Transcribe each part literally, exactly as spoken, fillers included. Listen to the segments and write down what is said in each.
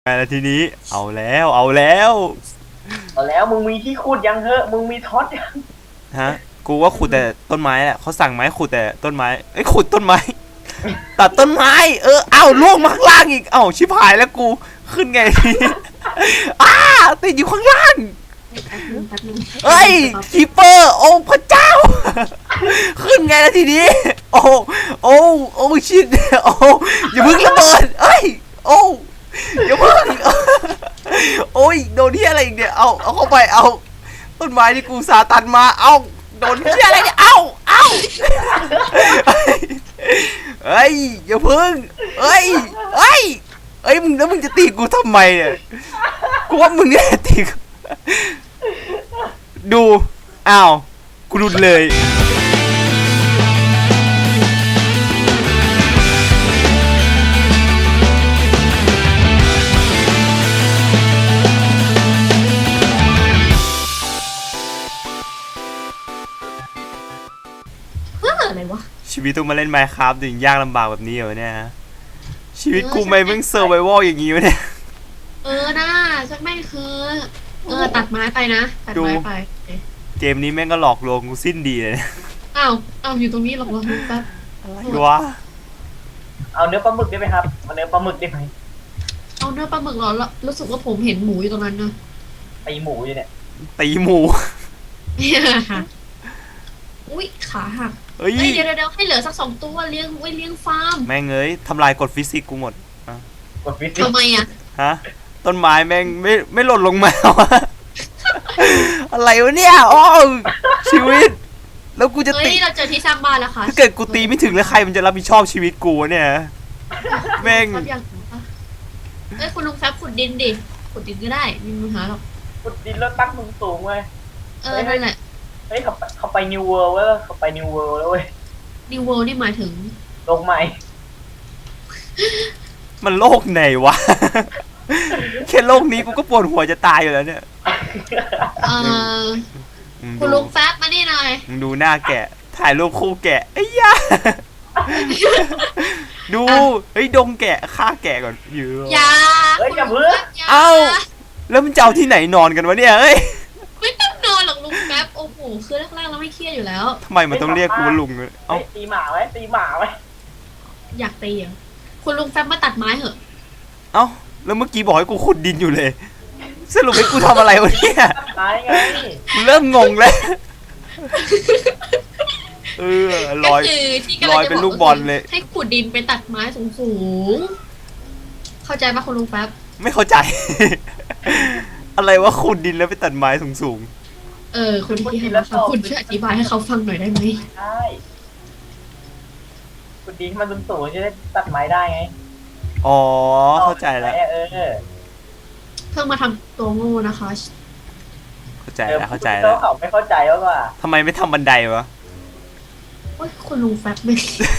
แล้วทีนี้เอาแล้วเอาแล้วเอาแล้วมึงมีที่ขุดยังเหอะมึงมีท็อตยังฮะกูว่าขุดแต่ต้นไม้แหละเขาสั่งไม้ขุดแต่ต้นไม้ไอ้ขุดต้นไม้ตัดต้นไม้เออเอ้าล่วงมาข้างล่างอีกเอ้าชิบหายแล้วกูขึ้นไงอ้าติดอยู่ข้างล่างเอ้ยคีเปอร์โอ้พระเจ้าขึ้นไงแล้วทีนี้โอ้โอ้โอ้ชิดโอ้อย่าเพิ่งระเบิดเอ้ยโอ้อย่าเพิ่งโอ้ยโดนที่อะไรอีกเนี่ยเอาเอาเข้าไปเอาต้นไม้ที่กูสาตันมาเอาโดนที่อะไรเนี่ยเอาเอาเฮ้ยอย่าเพิ่งเฮ้ยเฮ้ยเฮ้ยมึงแล้วมึงจะตีกูทำไมเนี่ยกูว่ามึงเนี่ยตีดูอ้าวกูรุนเลยอะไรวะชีวิตต้องมาเล่น Minecraft ถึงยากลำบากแบบนี้เหรอเนี่ยชีวิตกูไม่เพิ่งเซอร์ไววัลอย่างงี้วะเนี่ยเออน่าฉันไม่คือเออตัดไม้ไปนะตัดไม้ไปเกมนี้แม่งก็หลอกลวงกูสิ้นดีเลยอ้าวอ้าวอยู่ตรงนี้หรอกวะแป๊บอะไรวะเอาเนื้อปลาหมึกได้ไหมครับเอาเนื้อปลาหมึกได้ไหมเอาเนื้อปลาหมึกเหรอรู้สึกว่าผมเห็นหมูอยู่ตรงนั้นนะตีหมูอยู่เนี่ยตีหมูอุ้ยขาหักเฮ้ยเดี๋ยวเดี๋ยวให้เหลือสักสองตัวเลี้ยงไว้เลี้ยงฟาร์มแม่งเอ้ยทำลายกฎฟิสิกส์กูหมดกฎฟิสิกส์ทำไมอ่ะฮะต้นไม้แม่งไม่ไม่หล่นลงมาอะไรวะเนี่ยโอ้ชีวิตแล้วกูจะตีเราเจอที่สร้างบ้านแล้วค่ะถ้าเกิดกูตีไม่ถึงแล้วใครมันจะรับผิดชอบชีวิตกูเนี่ยแม่งเอ้ยคุณลุงแฟบขุดดินดิขุดดินก็ได้ไม่มีปัญหาหรอกขุดดินแล้วตั้งมึงสูงเว้ยเออนั่นแหละเฮ้ยเขาเขาไปนิวเวิลด์เว้ยเขาไปนิวเวิลด์แล้วเว้ยนิวเวิลด์นี่หมายถึงโลกใหม่มันโลกไหนวะแค่โลกนี้กูก็ปวดหัวจะตายอยู่แล้วเนี่ยเออคุณลุงแฟบมานี่หน่อยมึงดูหน้าแกะถ่ายรูปคู่แกะไอ้ยาดูเฮ้ยดงแกะฆ่าแกะก่อนอยู่อย่าเฮ้ยอย่าเพิ่งเอ้าแล้วมันจะเอาที่ไหนนอนกันวะเนี่ยเฮ้ยไม่ต้องนอนหรอกลุงแป๊บโอ้โหคือแรกๆเราไม่เครียดอยู่แล้วทำไมมันต้องเรียกกูว่าลุงเลยเอ้าตีหมาไว้ตีหมาไว้อยากตีอ่ะคุณลุงแป๊บมาตัดไม้เหอะเอ้าแล้วเมื่อกี้บอกให้กูขุดดินอยู่เลยสรุปให้กูทำอะไรวะเนี่ยตายไงกูเริ่มงงแล้วเออลอยลอยเป็นลูกบอลเลยให้ขุดดินไปตัดไม้สูงๆเข้าใจปะคุณลุงแป๊บไม่เข้าใจอะไรว่าขุดดินแล้วไปตัดไม้สูงๆเออคุณที่ให้เขาคุณช่วยอธิบายให้เขาฟังหน่อยได้ไหมใช่ขุดดินมันสูงๆจะได้ตัดไม้ได้ไงอ๋อเข้าใจแล้วเออเพิ่งมาทำตัวงูนะคะเข้าใจแล้วเข้าใจแล้วเขาไม่เข้าใจว่าทำไมไม่ทำบันไดวะโอ้ยคุณลุงแฟบไม่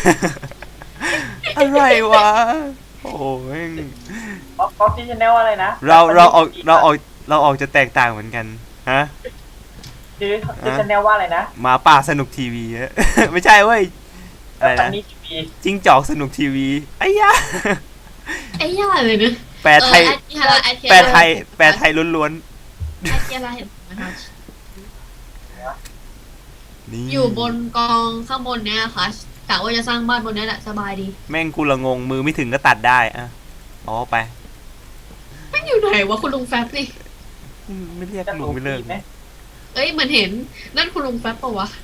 อะไรวะโอ้ยป๊อปที่ชแนลอะไรนะเราเราออกเราออกเราออกจะแตกต่างเหมือนกันฮะชื่อชื่อชแนลว่าอะไรนะหมาป่าสนุกทีวีไม่ใช่เว้ยอะไรนะจิ้งจอกสนุกทีวีไอ้ย่าไอ้ย่าเลยนะแปลไทยแปลไทยแปลไทยล้วนๆไอ้เจ้าอะไรนะคะอยู่บนกองข้างบนเนี้ยค่ะกะว่าจะสร้างบ้านบนนี้แหละสบายดีแม่งกูละงงมือไม่ถึงก็ตัดได้อะอ๋อไปแม่งอยู่ไหนวะคุณลุงแฟบนี่ไม่เรียกลุงไม่เลิกเอ้ยเหมือนเห็นนั่นคุณลุงแฟบปะวะ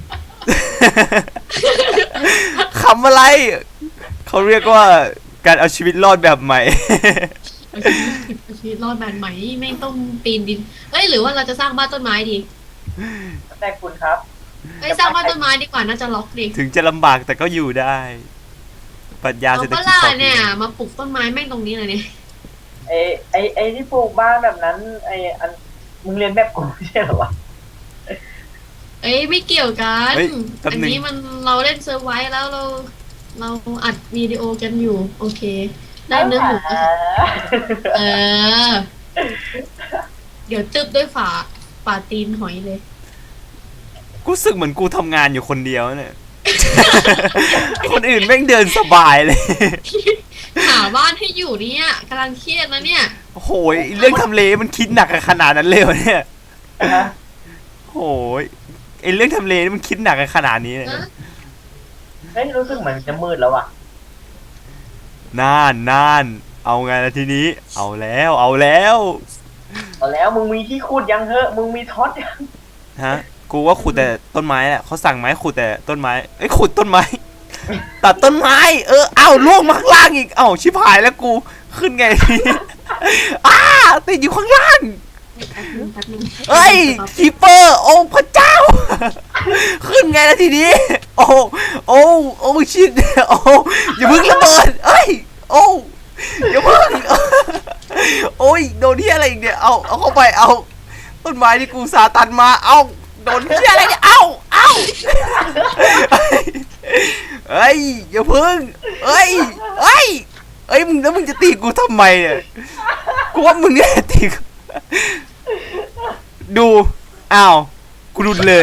คำอะไรเขาเรียกว่าการเอาชีวิตรอดแบบใหม่เอาชีวิตรอดแบบใหม่ไม่ต้องปีนดินเอ้ยหรือว่าเราจะสร้างบ้านต้นไม้ดีแต่คุณครับเอ้ยสร้างบ้านต้นไม้ดีกว่าน่าจะล็อกดีถึงจะลำบากแต่ก็อยู่ได้ปรัชญาเศรษฐกิจพอเพียงเนี่ยมาปลูกต้นไม้แม่งตรงนี้เลยเนี่ยไอไอไอที่ปลูกบ้านแบบนั้นไออันมึงเรียนแบบกูไม่ใช่หรอวะเอ้ยไม่เกี่ยวกันอันนี้มันเราเล่นเซิร์ฟไว้แล้วเราเราอัดวิดีโอกันอยู่โอเคได้เนื้อหมูเออเดี๋ยวตึบด้วยฝาฝาตีนหอยเลยกูรู้สึกเหมือนกูทำงานอยู่คนเดียวเนี่ยคนอื่นแม่งเดินสบายเลยหาบ้านให้อยู่เนี่ยกำลังเครียดนะเนี่ยโอ้โหเรื่องทำเลมันคิดหนักกันขนาดนั้นเลยวะเนี่ยฮะโอ้โหไอเรื่องทำเลนี่มันคิดหนักกันขนาดนี้เลยนะเฮ้ยรู้สึกเหมือนจะมืดแล้วว่ะน่านน่านเอาไงล่ะทีนี้ เอาแล้วเอาแล้วเอาแล้วมึงมีที่ขุดยังเหอะมึงมีท็อตยังฮะกูว่าขุดแต่ต้นไม้แหละเขาสั่งไม้ขุดแต่ต้นไม้เอ้ยขุดต้นไม้ ตัดต้นไม้ เออเอ้าล่วงมาข้างล่างอีกเอ้าชิบหายแล้วกูขึ้นไงทีนี้ อ้าติดอยู่ข้างล่างแป๊บนึงแป๊บนึงเอ้ยคีเปอร์โอ้พระเจ้า ขึ้นไงล่ะทีนี้ โอ้โอ้โอ้ชิดโอ้อย่าเพิ่งระเบิดเอ้ยโอ้อย่าเพิ่ง โอ้ยโดนที่อะไรอีกเนี่ยเอาเอาเข้าไปเอาต้นไม้ที่กูสาตันมาเอาโดนที่อะไรเนี่ยเอาเอาเอ้ยอย่าเพิ่งเอ้ยเอ้ยเอ้ยมึงแล้วมึงจะตีกูทำไมเนี่ยกูว่ามึงเนี่ยตีกูดูอ้าวกูรุนเลย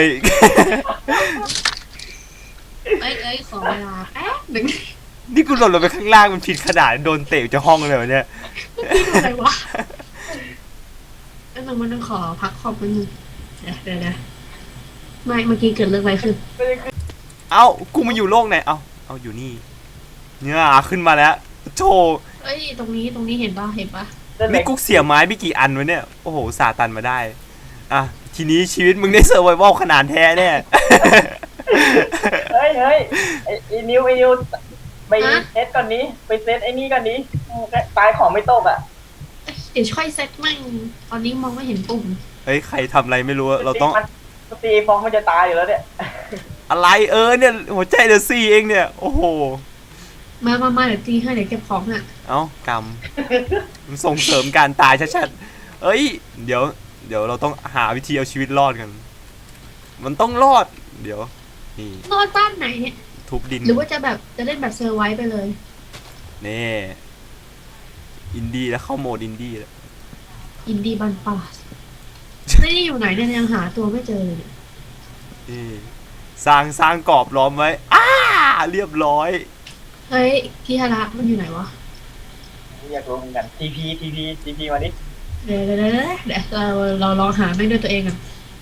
เอ้ยเอ้ยขอเวลาแป๊บหนึ่งนี่กูหล่นลงไปข้างล่างมันผิดขนาดโดนเตะจะห้องเลยวะเนี่ยพี่ดูอะไรวะเอ้ยมันมันต้องขอพักคอมมันงเดี๋ยวเดี๋ยวเดี๋ยวไม่เมื่อกี้เกิดเรื่องอะไรขึ้นเอ้ากูมาอยู่โลกไหนเอ้าเอาอยู่นี่เนี่ยขึ้นมาแล้วโชว์เอ้ยตรงนี้ตรงนี้เห็นปะเห็นปะนี่กูเสียไม้ไปกี่อันวะเนี่ยโอ้โหสาตันมาได้อ่ะทีนี้ชีวิตมึงได้เซอร์ไววัลขนาดแท้เนี่ยเฮ้ยเฮ้ยไอ้ไอ้นิวไอ้นิวไปเซตก่อนนี้ไปเซตไอ้นี่ก่อนนี้ตายของไม่ตกอ่ะเอ้ยเดี๋ยวช่วยเซตมั่งตอนนี้มองไม่เห็นปุ่มเฮ้ยใครทำอะไรไม่รู้อะเราต้องสตีฟองมันจะตายอยู่แล้วเนี่ยอะไรเออเนี่ยหัวใจเดอะซีเองเนี่ยโอ้โหมามามาเดี๋ยวตีให้เดี๋ยวเก็บของอ่ะเอ้ากรรมมันส่งเสริมการตายชัดๆเอ้ยเดี๋ยวเดี๋ยวเราต้องหาวิธีเอาชีวิตรอดกัน มันต้องรอดเดี๋ยวนี่นอนบ้านไหนเนี่ยทุบดินหรือว่าจะแบบจะเล่นแบบเซอร์ไวส์ไปเลยนี่อินดี้แล้วเข้าโหมดอินดี้แล้วอินดี้บันปาสไม่ได้อยู่ไหนเนี่ยยังหาตัวไม่เจอเลยเนี่ยนี่สร้างสร้างกรอบล้อมไว้อ้าเรียบร้อยเฮ้ยพี่ฮาระมันอยู่ไหนวะอยากรู้เหมือนกันทีพีทีพีทีพีมาดิเดี๋ยวเดี๋ยวเดี๋ยวเดี๋ยวเราเราลองหาแม่งด้วยตัวเองกัน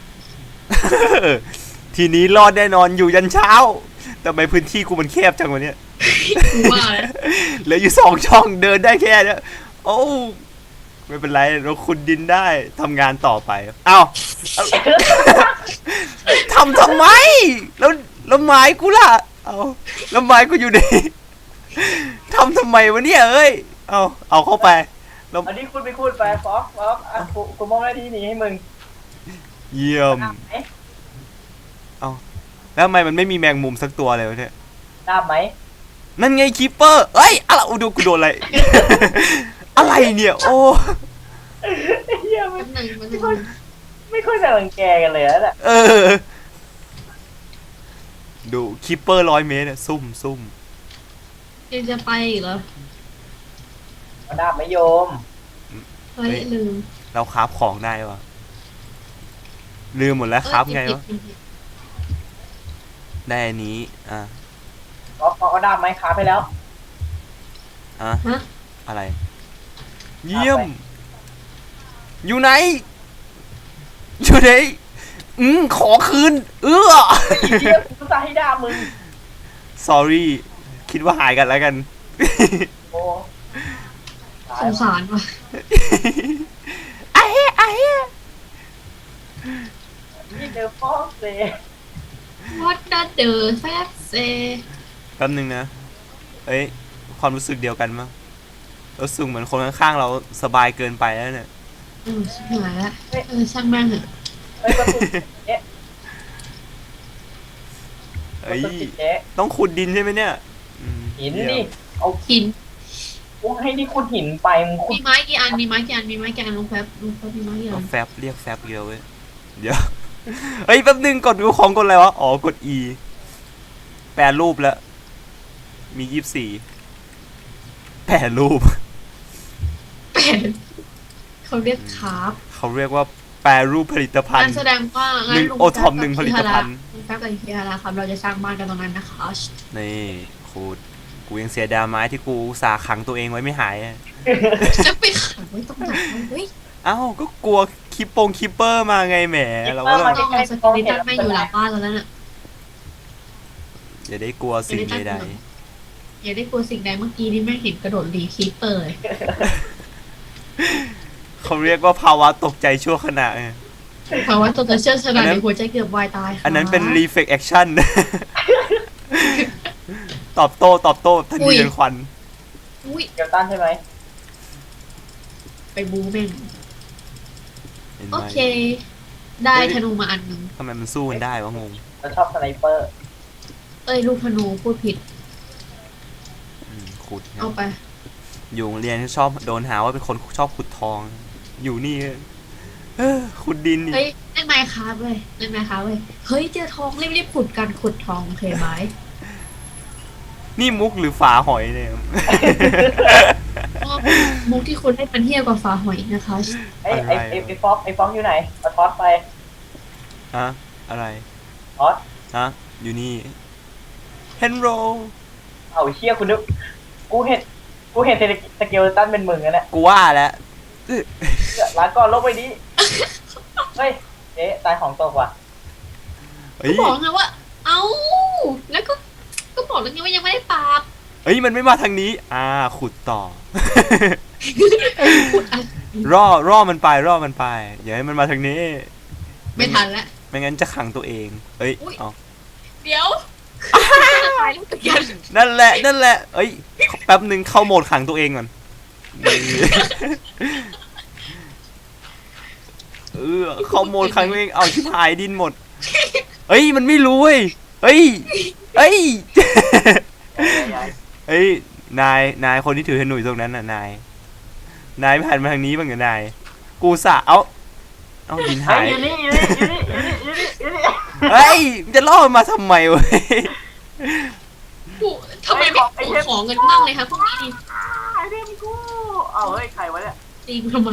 ทีนี้รอดแน่นอนอยู่ยันเช้าแต่ทำไมพื้นที่กูมันแคบจังวะเนี่ยกูว่าแล้วเหลืออยู่สองช่องเดินได้แค่เนี้ยโอ้ไม่เป็นไรเราขุดดินได้ทำงานต่อไปเอ้าเอา ทำทำไมแล้วแล้วไม้กูล่ะเอาแล้วไม้กูอยู่ไหนทำทำไมวะเนี่ยเอ้ยเอาเอาเข้าไปแล้วอันนี้คุณไปคูดไปฟอกฟอกอ่ะกูกูมองหน้าที่นี้ให้มึงเยี่ยมเอ๊ะแล้วทำไมมันไม่มีแมงมุมสักตัวเลยวะเนี่ยทราบไหมนั่นไงคีปเปอร์เอ้ยอะไรอูดูกูโดนอะไร อะไรเนี่ยโอ้เฮียมัแป๊นบหนึงแป๊บหนึงไม่ค่อยจะรังแกกันเลยนะเนี่ยเออดูคีปเปอร์ร้อยเมตรเนี่ยซุ่มซุ่มยังจะไปอีกเหรอมาดาบไม่โยมเฮ้ยลืมเราคราฟของได้ปะลืมหมดแล้วคราฟไงวะเอ้ยผิดได้อันนี้อ่ะฟอกฟอกเอาดาบไหมค้าไปแล้วอ่ะฮะอะไร เยี่ยม อยู่ไหน อยู่ไหนอืมขอคืน เออเฮียกูจะให้ดาบมึง sorry คิดว่าหายกันแล้วกันโอ้สงสารว่ะไอ้เหี้ยไอ้เหี้ยนี่เดอะฟอกเซ่ What does the fat say แป๊บนึงนะ เอ้ย ความรู้สึกเดียวกันมั้งรู้สึกเหมือนคนข้างๆเราสบายเกินไปแล้วเนี่ยเออชิบหายละเออช่างแม่งเถอะเฮ้ยประตูเอ๊ะปเอ้ระยตูติดเอ๊ะต้องขุดดินใช่ไหมเนี่ยอืมหินเยี่ยดิมเอาหินกูให้นี่ขุดหินไปมึงขุมีดไม้กี่อันมีไม้กี่อันมีไม้กี่อันลุงแฟบลุงแฟบมีไม้กี่อัเอานแฟบเรียกแฟบเดียวเว้ย เดี๋ยว เฮ้ยแป๊บนึงกดดูของกดอะไรวะ อ๋อกด E แปลรูปแล้ว มียี่สิบสี่แปลรูปแปดเขาเรียกคาร์บเขาเรียกว่าแปลรูปผลิตภัณงั้นฑ์แสดงว่าหนึ่งลุโอท็อปหนึ่งผลิตภัณฑ์ลุงแฟบกับเฮียระครับเราจะสร้างบ้านกันตรงนั้นนะคะนี่คูดกูยังเสียดายไม้ที่กูอุตสาห์ขังตัวเองไว้ไม่หายอะจะไปขังไว้ตรงไหนเฮ้ยเอ้าก็กลัวคิปปงคิปเปอร์มาไงแหมเราก็ต้ต้ออง งเอาสกิลิตันไม่อยู่หลังบ้านแล้วนั่นน่ะอย่าได้กลัวสิ่งใดอย่าได้กลัวสิ่งใดเมื่อกี้นี่แม่งเห็นกระโดดรีคีปเปอร์เลยๆเขาเรียกว่าภาวะตกใจชั่วขณะไงเพราะว่าตัวจะเชื่อชอันะนนั้นในหัวใจเกือบวายตายค่ะอันนั้นเป็น reflex action ตอบโต้ตอบโต้ทันทีเป็นควันอุ้ยเกียวตันใช่ไหมไปบูแม่งเห็นไหมโอเค ได้ธนูมาอันหนึ่งทำไมมันสู้กันได้วะงงเราชอบสไนเปอร์เอ้ยลูกธนูพูดผิดอืมขุดไงเอาไปอยู่โรงเรียนชอบโดนหาว่าเป็นคนชอบขุดทอง อยู่นี่เออขุดดินนี่เฮ้ยเล่นไมค์ครับเว้ยเล่นไมค์ครับเว้ยเฮ้ยเจอทองรีบๆขุดกันขุดทองโอเคไหมนี่มุกหรือฝาหอยเนี่ยมุกที่คุณให้เป็นเทียบกับฟ้าหอยอีกนะคะไอ้ไอ้ไอ้ไอ้ฟอกไอ้ฟอกอยู่ไหนเอาทอสไปฮะอะไรทอสฮะอยู่นี่เฮนโรเอาเชี่ยคุณนึกกูเห็นกูเห็นสเกลตันเป็นหมื่นแล้วเนี่ยกูว่าแล้วร้านก่อนลบไปดิเฮ้ยเจ๊ตายของตกว่ะเฮ้ก็ยบอกไงว่า เอ้า แล้วก็ ก็บอกแล้วไงว่ายังไม่ได้ปราบเฮ้ยมันไม่มาทางนี้ อ่าขุดต่อขุดอ่ะร่อร่อมันไปร่อมันไปอย่าให้มันมาทางนี้ไม่ทันแล้วไม่งั้นจะขังตัวเองเอ้ยอุ๊ยเอาเดี๋ยวจะตายแล้วตะกันนั่นแหละนั่นแหละเอ้ยแป๊บหนึ่งเข้าโหมดขังตัวเองก่อนเออเข้าโหมดขังตัวเองเอาชิบหายดินหมดเอ้ยมันไม่รู้เว้ยเอ้ยเอ้ย เอ้ยนายนายคนที่ถือธนูอยู่ตรงนั้นน่ะนายนายไม่หันมาทางนี้บ้างเหรอนายกูสะเอาเอาดินเฮ้หาย ยอยู่นี่อยู่นี่อยู่นี่อยู่นี่อยู่นี่เฮ้ยมันจะล่อมันมาทำไมเว้ยกูทำไมไม่ขอของกันบ้างเลยคะพวกนี้นี่ไอเทมกูเอาเฮ้ยใครวะเนี่ยตีกูทำไม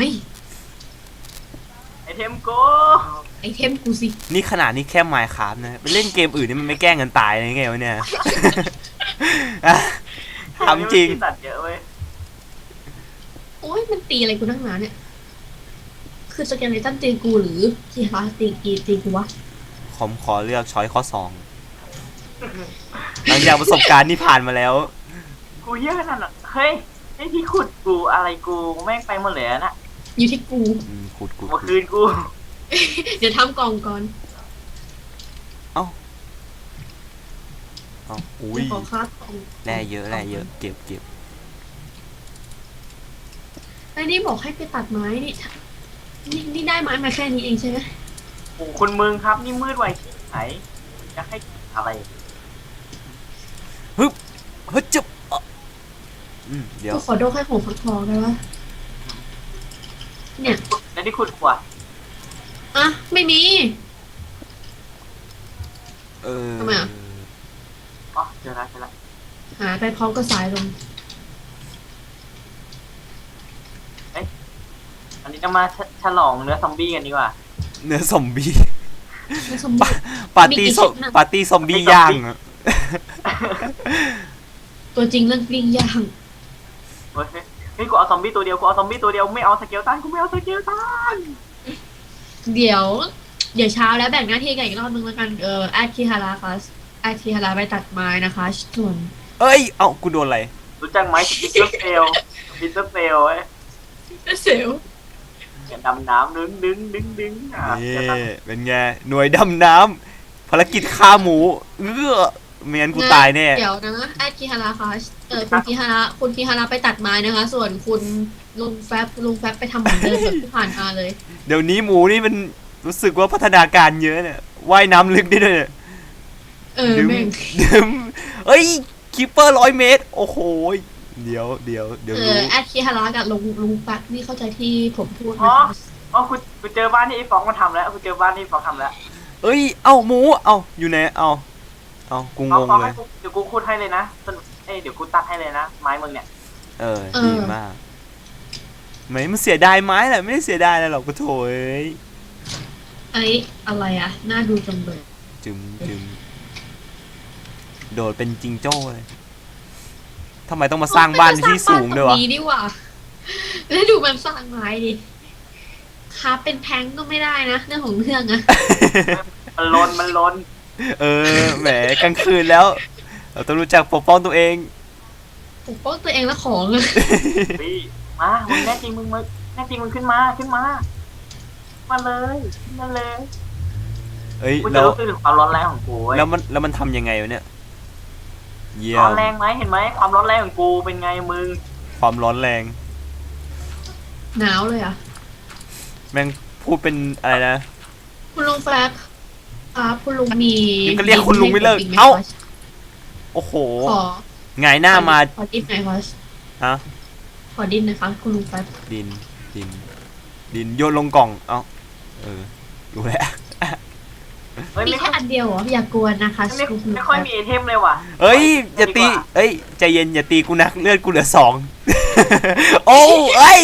ไอเทมกูไอเทมกูสินี่ขนาดนี้แค่ไมค์ครับนะไปเล่นเกมอื่นนี่มันไม่แกล้งกันตายเลยไงวะเนี่ย อะถามจริงตัดเยอะเว้ยโอ้ยมันตีอะไรกูนักหนาเนี่ย คือสแกนเลตันตีกูหรือที่ฮาตีกีตีกูวะผมขอเลือกช้อยข้อสองหลังจากประสบการณ์ที่ผ่านมาแล้วกูเยอะขนาดนั้นเฮ้ยไอที่ขุดกูอะไรกูแม่งไปหมดเลยนะอยู่ที่กูอืมขุดขุดเมื่อขุคืดนกูเดี๋ยวทำกล่องก่อนเอาอุ้ยเดี๋ยวขอคาดกล่องแร่เยอะแร่เยอะเก็บเก็บไอ้นี่บอกให้ไปตัดไม้นี่นี่นี่ได้ไม้มาแค่นี้เองใช่ไหมโอ้คุณมึงครับนี่มืดไวที่ไหนจะให้อะไรเฮ้ยจุบอ่ะอืมเดี๋ยวกูขอโดกให้ของฟักทองได้ปะเนี่ยแล้วที่ขุดกว่าอ่ะ ไม่มีเออทำไมอ่ะอ๋อเจอแล้วเจอแล้วหาไปพร้อมกับสายลมอันนี้จะมาฉลองเนื้อซอมบี้กันดีกว่าเนื้อซอมบี้ไม่สมบูรณ์ปาร์ตี้ซอมมีกี่ชิ้นน่ะปาร์ตี้ซอมบี้ย่างอะตัวจริงเรื่องปิ้งย่างเฮ้ยเฮ้ยกูเอาซอมบี้ตัวเดียวกูเอาซอมบี้ตัวเดียวไม่เอาสเกลตันกูไม่เอาสเกลตันเดี๋ยว เดี๋ยวเช้าแล้วแบ่งหน้าที่กันอีกรอบนึงแล้วกัน เออแอดคิฮาราค่ะแอดคิฮาราไปตัดไม้นะคะส่วนเอ้ยเอ้ากูโดนอะไรรู้จักไหมสปิเตอร์เซลสปิเตอร์เซลเว้ยเซลอย่าดำน้ำดึงดึงดึงดึงอ่ะนี่เดี๋ยวตัดเป็นไงหน่วยดำน้ำภารกิจฆ่าหมูเออไม่งั้นกูตายแน่เดี๋ยวนะแอดคิฮาราค่ะเออคุณคิฮาระคุณคิฮาระไปตัดไม้นะคะ ส่วนคุณลุงแฟบลุงแฟบไปทำเหมือนเดิมแบบที่ผ่านมาเลยเดี๋ยวนี้หมูนี่มันรู้สึกว่าพัฒนาการเยอะเนี่ยว่ายน้ำลึกได้ด้วยเนี่ยเออดึมแม่งดึมเอ้ยคิปเปอร์ร้อยเมตร โอ้โหเดี๋ยวเดี๋ยวเดี๋ยวเอรู้อแอดคิฮาระกับลุงลุงแฟบนี่เข้าใจที่ผมพูดอ๋อนะคะอ๋อกูกูเจอบ้านที่ไอ้ฟองมาทำแล้วกูเจอบ้านที่ไอ้ฟองทำแล้วเอ้ยเอ้าหมูเอ้าอยู่ไหนเอ้าเอ้ากูฟองงงฟองเลให้ยกูเดี๋ยวกูขุดให้เลยนะสนุกเอ้ยเดี๋ยวกูตัดให้เลยนะไม้มึงเนี่ยเออดีมากไม่มันเสียดายไม้แหละไม่ได้เสียดายอะไรหรอกก็โถเอ้ยไอ้อะไรอะน่าดูจังเลยจึมจึมโดดเป็นจิงโจ้เลยทำไมต้องมาสร้างบ้านในที่สูงด้วยวะนี้ดีกว่าแล้วดูมันสร้างไม้ดิครับเป็นแพงก็ไม่ได้นะเรื่องของเรื่องอะมันลนมันลนเออแหมกลางคืนแล้ว เราต้องรู้จักปกป้องตัวเองปกป้องตัวเองและของอะพี่มามึงแน่จริงมึงมาแน่จริงมึงขึ้นมาขึ้นมามาเลยขึ้นมาเลยเอ้ยกูจะแล้วรู้สึกถึงความร้อนแรงของกูเว้ยแล้วมันแล้วมันทำยังไงวะเนี่ยเยี่ยร้อมนแรงไหมเห็นไหมความร้อนแรงของกูเป็นไงมึงความร้อนแรงหนาวเลยอะแม่งพูดเป็นอะไรนะคุณลุงแฟลกครับคุณลุงมียังก็เรียกคุณลุงไม่เลิกดินให้เอ้าผมกไหมโอ้โหขอไงายหน้ามาขอดินหน่อยครับฮะขอดินหนะคะคุณลุงแฟลกดินดิน ดินโยนลงกล่องเอ้าเออรู้แล้วเฮ้ยมีไม่แค่ค่อยอันเดียวเหรออย่ากวนนะคะไม่คุณลุงไม่แฟค่อยลกมีไอเทมเลยว่ะเอ้ยอย่าตีเอ้ยใจเย็นอย่าตีกูนักเลือดกูเหลือสอง โอ้เอ้ย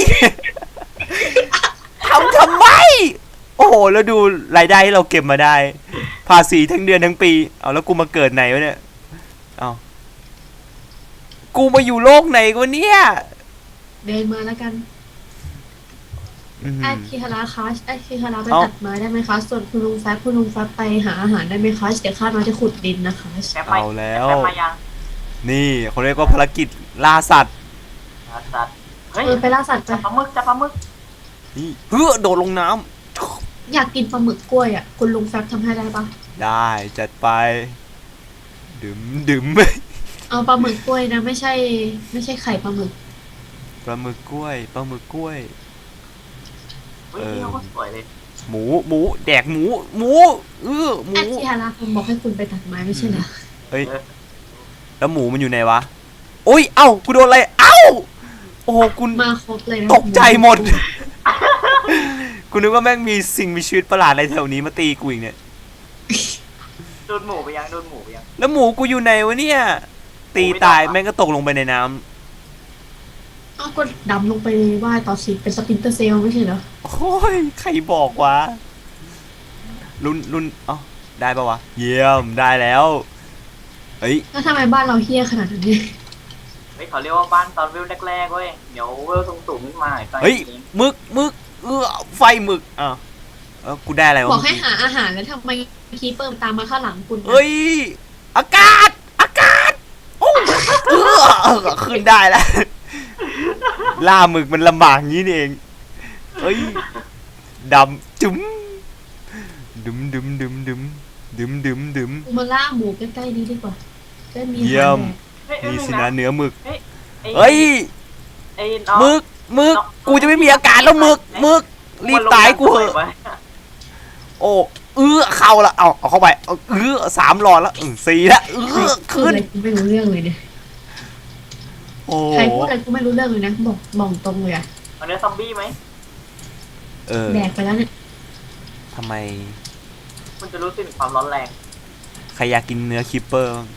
ทำทำไม โอ้โหแล้วดูรายได้ที่เราเก็บมาได้ ภาษีทั้งเดือนทั้งปี เอาแล้วกูมาเกิดไหนวะเนี่ยเอากูมาอยู่โลกไหนกูเนี่ยเดินมาแล้วกันอื้อหืไออคิฮาระคะไอคิฮาระไปเอ้าตัดไม้ได้ไหมคะ ส่วนคุณลุงแฟบคุณลุงแฟบไปหาอาหารได้ไหมคะ เดี๋ยวข้ามาจะขุดดินนะคะแกไปเอาแล้วแกมายังนี่เขาเรียกว่าภารกิจล่าสัตว์สัตว์เฮ้ยเออไปล่าสัตว์ไปจับปลาหมึกจับปลาหมึกนี่เฮ้อโดดลงน้ำอยากกินปลาหมึกกล้วยอ่ะ คุณลุงแฟบทำให้ได้ปะได้จัดไป ดื่มดื่มเอาปลาหมึกกล้วยนะ ไม่ใช่ ไม่ใช่ไข่ปลาหมึกปลาหมึกกล้วยปลาหมึกกล้วยเฮ้ยเออนี่เขาก็สวยเลยหมูหมูแดกหมูหมูเออหมูไอคิฮาระผมบอกให้คุณไปตัดไม้ไม่ใช่เหรอเฮ้ยแล้วหมูมันอยู่ไหนวะโอ้ยเอ้ากูโดนอะไรเอ้าโอ้โหคุณมาครบเลยนะตกใจหมด กูนึกว่าแม่งมีสิ่งมีชีวิตประหลาดอะไรแถวนี้มาตีกูอีกเนี่ยโดนหมูไปยังโดนหมูไปยังแล้วหมูกูอยู่ไหนวะเนี่ย ตีตายแม่งก็ตกลงไปในน้ำเอาก็ดำลงไปว่ายต่อสิเป็นสปินเตอร์เซลไม่ใช่เหรอโอ้ยใครบอกวะรุ่นรุ่นเอ้าได้ปะวะเยี่ยมได้แล้วเฮ้ยแล้วทำไมบ้านเราเฮี้ยขนาดนั้นเนี่ยเฮ้ยเขาเรียกว่าบ้านตอนเวลแรกๆเว้ยเดี๋ยวเวลสูงๆขึ้นมาอีกเฮ้ยมึกมึกเออไฟมึกอ่ะเออกูได้อะไรวะบอกให้หาอาหารแล้วทำไมคีเปิมตามมาข้างหลังคุณนะเฮ้ยอากาศอากาศโอ้เออเออขึ้นได้แล้วล่าหมึกมันลำบากงี้นี่เองเฮ้ยดำจุ๋มดึมดึมดึมดึมดึมดึมดึมกูมาล่าหมูใกล้ๆนี้ดีกว่าจะมีอาเยี่ยหารมแดกเฮ้ยเอ้ยนี่สิงนะเนื้อหมึกไอ้เฮ้ยไอ้น้องหมึกหมึกกูจะไม่มีอาการแล้วหมึกหมึกรีบตายกูเหอะไว้โอ้เออเข้าละเอาเอาเข้าไปเอาเออสามหลอดแล้วอืมสี่ละเออพูดขึ้อะนไรกูไม่รู้เรื่องเลยเนี่ยโอ้ใครพูดอะไรกูไม่รู้เรื่องเลยนะบอกบอกตรงเลยอะเอาเนื้อซอมบี้ไหมเออแดกไปแล้วเนี่ยทำไมมันจะรู้สึกถึงความร้อนแรงใครอยากกินเนื้อคิปเปอร์บ้าง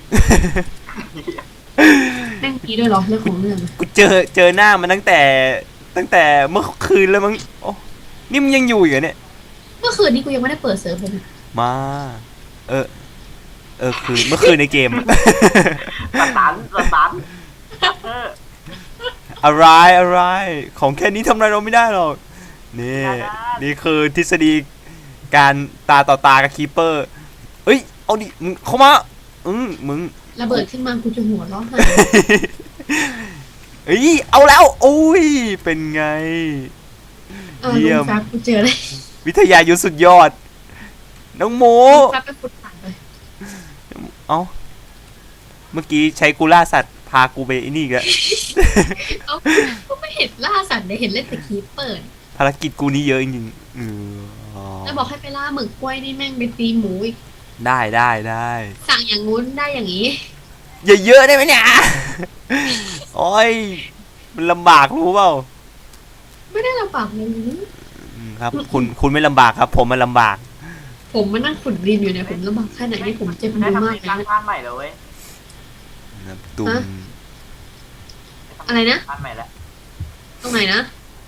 แม่งกี้ด้วยเหรอเรื่องของเรื่องกูเจอเจอหน้ามันตั้งแต่ ตั้งแต่เมื่อคืนแล้วมั้งโอ้นี่มันยังอยู่อยู่เหรอเนี่ยเมื่อคืนนี้กูยังไม่ได้เปิดเซิร์ฟเลยนะมา เออ เออคือเมื่อคืนในเกมสตันสตันเอออะไรอะไร ของแค่นี้ทำอะไรเราไม่ได้หรอก นี่ นี่คือทฤษฎีการตาต่อตากับคีเปอร์ เอ้ย เอาดิ มึงเข้ามา อืมมึงระเบิดขึ้นมากูจะหัวเร้อนหาเอ้ย เอาแล้ว โอ้ย เป็นไงเออเยี่ลุยงมแฟบกูเจอเลยวิทยายุทธสุดยอด น้องหมูลุงแฟบไปฟุตผ่านเลยเอ้า เมื่อกี้ใช้กูล่าสัตว์ พากูไปไอ้นี่อีกแล้วเอ้ากูไม่เห็นล่าสัตว์เลยเห็นเล่นแต่คีเปิดภารกิจกูนี่เยอะจริงๆอืออ๋อแล้วบอกให้ไปล่าหมึกกล้วยนี่แม่งไปตีหมูอีกได้ได้ได้สั่งอย่างงู้นได้อย่างนี้อย่าเยอะได้ไหมเนี่ย โอ้ย มันลำบากรู้เปล่าไม่ได้ลำบากเลยอืมครับ คุณคุณไม่ลำบากครับ ผมมันลำบากผมมานั่งขุดดินอยู่เนี่ยผมลำบากแค่ไหนนี่ผมเจ็บได้มือทำมากเป็นเลยร้านนะบ้านใหม่แล้วเว้ยนะตุ่มฮะ อะไรนะบ้านใหม่แล้วตรงไหนนะ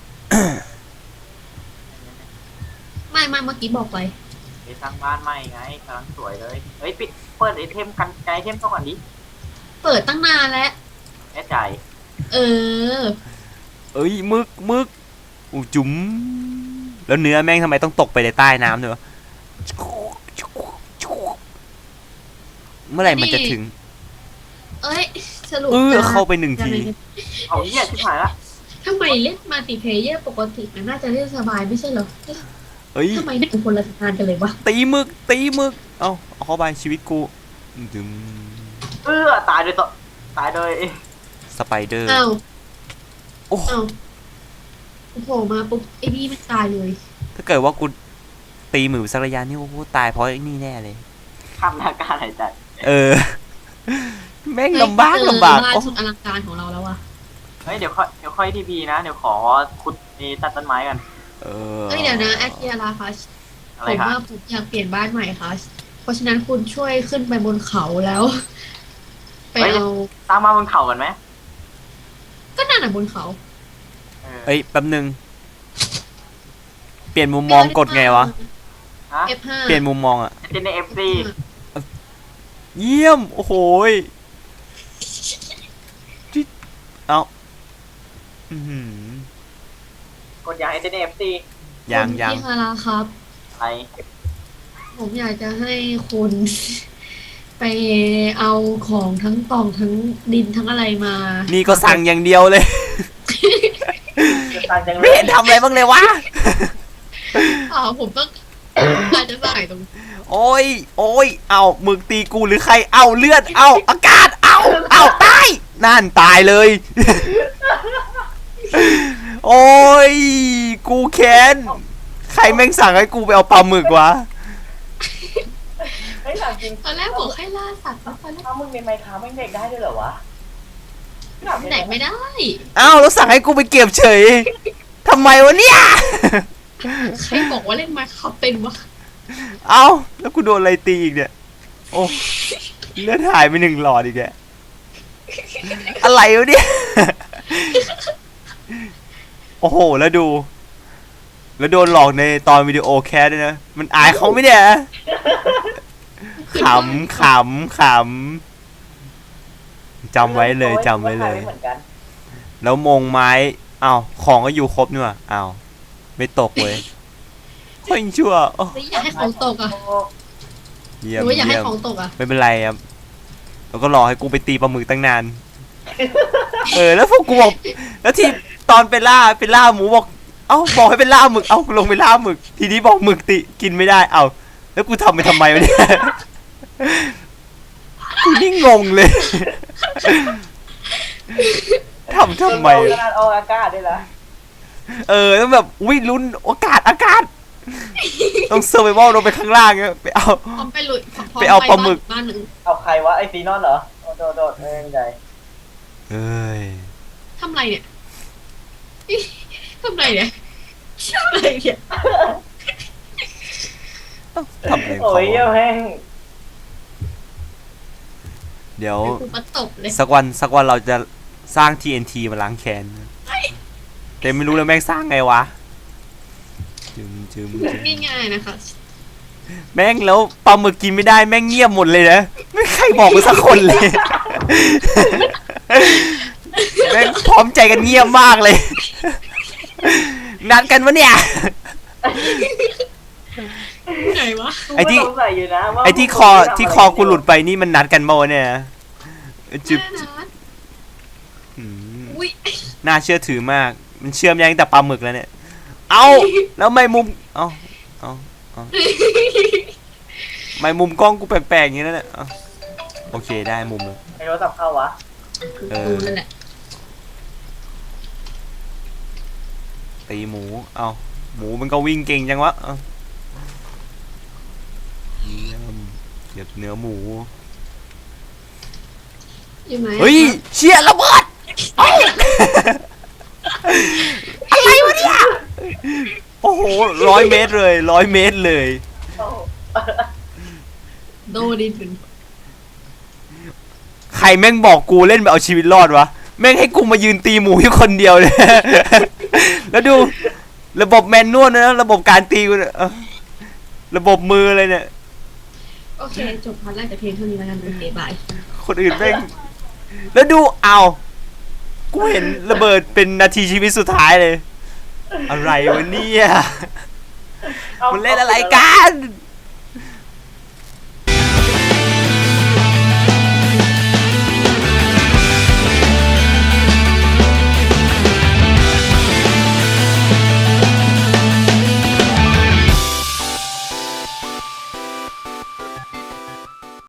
ไม่ไม่เมื่อกี้บอกไปไปสร้างบ้านใหม่ไงกำลังสวยเลยเฮ้ยปิดเปิดไอเทมกันไกลไอเทมเข้าก่อนดิเปิดตั้งนานแล้วแน่ใจเออเอ้ยมึกมึกอูจุ๋มแล้วเนื้อแม่งทำไมต้องตกไปในใต้น้ำด้วยวะเมื่อไหร่มันจะถึงเอ้ยสรุปเออจะเข้าไปหนึ่งทีเอาเหี้ยชิบหายละทำไมเล่นมัลติเพลเยอร์ปกติมันน่าจะเล่นสบายไม่ใช่เหรอเอ๊ะเอ้ยทำไมเป็นคนละทางกันเลยวะตีมึกตีมึกเอาเอาเข้าไปชีวิตกูดึงเออตายโดยตัวตายโดยสไปเดอร์อ้าวโอ้อ้าวโผล่มาปุ๊บไอ้นี่ไม่ตายเลยถ้าเกิดว่ากูตีมือสักระยะนี่โอ้โหตายเพราะไอ้นี่แน่เลยข้ามหน้าการหายใจเออ แม่งลำบากลำบากเจอบ้านโอ้สุดอลังการของเราแล้วอะเฮ้ยเดี๋ยวค่อยเดี๋ยวค่อยทีพีนะเดี๋ยวขอขุดนี่ตัดต้นไม้กันเออเอ้ยเดี๋ยวนะแอคเทียราคัสอะผไรมครับว่าผมอยากเปลี่ยนบ้านใหม่ค่ะ เพราะฉะนั้นคุณช่วยขึ้นไปบนเขาแล้ว ไปเอาตามมาบนเขากันไหมก็นั่นน่ะบนเขาเออเอ้ยแป๊บนึงเปลี่ยนมุมมองกดไงวะฮะเอฟห้าเปลี่ยนมุมมองอะเจนในเอฟซีเยี่ยมโอ้โหยจิ๊ดเอาอือหือกดอย่างเจนในเอฟซียังยังพี่ฮาราครับอะไรผมอยากจะให้คุณ ไปเอาของทั้งกล่องทั้งดินทั้งอะไรมานี่ก็สั่งอย่างเดียวเลยต่างจังเลไม่ยเห็นทำอะไรบ้างเลยวะอ๋อผมต้อง อาจจะใส่ตรงโอ้ยโอ้ยเอามึกตีกูหรือใครเอาเลือดเอาอากาศเอาเอาตายนั่นตายเลย โอ้ยกูแค้นใครแม่งสั่งให้กูไปเอาปลาหมึกวะเฮ้ยถามจริงตอนแรกบอกให้ล่าสัตว์แล้วตอนแรกถ้ามึงในไมค์ค้าไม่เด็กได้ด้วยเหรอวะไหนไม่ได้อ้าวแล้วสั่งให้กูไปเก็บเฉยทำไมวะเนี่ยใครบอกว่าเล่นมาเขาเป็นวะเอ้าแล้วกูโดนอะไรตีอีกเนี่ยโอ้เลือดหายไปหนึ่งหลอดอีกแกอะไรวะเนี่ย โอ้โหแล้วดู แล้วโดนหลอกในตอนวิดีโอแคสด้วยนะมันอายเขาไหมเนี่ยขำขำขำจำไว้เลยจำไว้เลยเหมือนกันแล้วมงไม้อ้าวของก็อยู่ครบนี่หว่าอ้าวไม่ตกเว้ยคนชั่วโอ้หรืออยากให้ของตกอ่ะเยี่หยมรือว่าอยากให้เยี่ยมของตกอ่ะไม่เป็นไรครับแล้วก็รอให้กูไปตีปลาหมึกตั้งนาน เออแล้วพวกกูบอกแล้วที่ตอนไปล่าไปล่าหมูบอกเอ้าบอกให้ไปล่าหมึกเอ้าลงไปล่าหมึก ทีนี้บอกหมึกติกินไม่ได้เอ้าแล้วกูทำไปทำไมวะเนี่ย กูนี่งงเลย ทำทำไมขนาดออกอากาศด้วยล่ะเออแล้วแบบอุ้ยลุ้นอากาศอากาศ ต้องเซอร์ไววัลลงไปข้างล่างเงี้ยไปเอาพร้อมไปลุยพร้มไปเอาปลาหมึกบ้านหนึ่งเอาใครวะไอซีนอนเหรอโดดโดดโดดไม่เป็นไรเอ้ยทำไรเนี่ย ทำไรเนี่ยทำไรเนี่ยทำอะไรของโอ้ยเขาแม่งเดี๋ยวเดี๋ยวกูมาตบเลยสักวันสักวันเราจะสร้าง ที เอ็น ที มาล้างแค้นแต่ไม่รู้เลยแม่งสร้างไงวะจึมจึมจึมง่ายๆนะคะแม่งแล้วปลาหมึกกินไม่ได้แม่งเงียบหมดเลยนะไม่ใครบอกกูสักคนเลย แม่งพร้อมใจกันเงียบมากเลย นัดกันวะเนี่ยไหนวะไอ้ที่กูก็สงสัยอยู่นะว่าไอ้ที่คอที่คอกูหลุดไปนี่มันนัดกันเมื่อวะเนี่ยจึบแม่นะอืมอุ้ยน่าเชื่อถือมาก มันเชื่อมยังแต่ปลาหมึกแล้วเนี่ย เอาแล้วไม่มุม เอาเอาเอาไม่มุมกล้องกูแปลกๆอย่างนี้แล้วเนี่ยเอาโอเคได้มุมเลยไอ้โทรศัพท์เข้าวะเออกูนั่นแหละตีหมู เอาหมูมันก็วิ่งเก่งจังวะเอาเยี่ยมเก็บเนื้อหมูอยู่ไหมเฮ้ยเชี่ยระเบิดเอ้าอะไรวะเนี่ย โอ้โหร้อยเมตรเลยร้อยเมตรเลยโอ้โดดินถึงใครแม่งบอกกูเล่นแบบเอาชีวิตรอดวะ แม่งให้กูมายืนตีหมูอยู่คนเดียวเลย แล้วดูระบบแมนนวลนะระบบการตีกูเนี่ยเออระบบมืออะไรเนี่ยโอเค จบพาร์ทแรกแต่เพียงเท่านี้แล้วกันโอเคบายคนอื่นแม่ง แล้วดูเอากูเห็นระเบิดเป็นนาทีชีวิตสุดท้ายเลย อะไรวะเนี่ยอามันเล่นอะไรกัน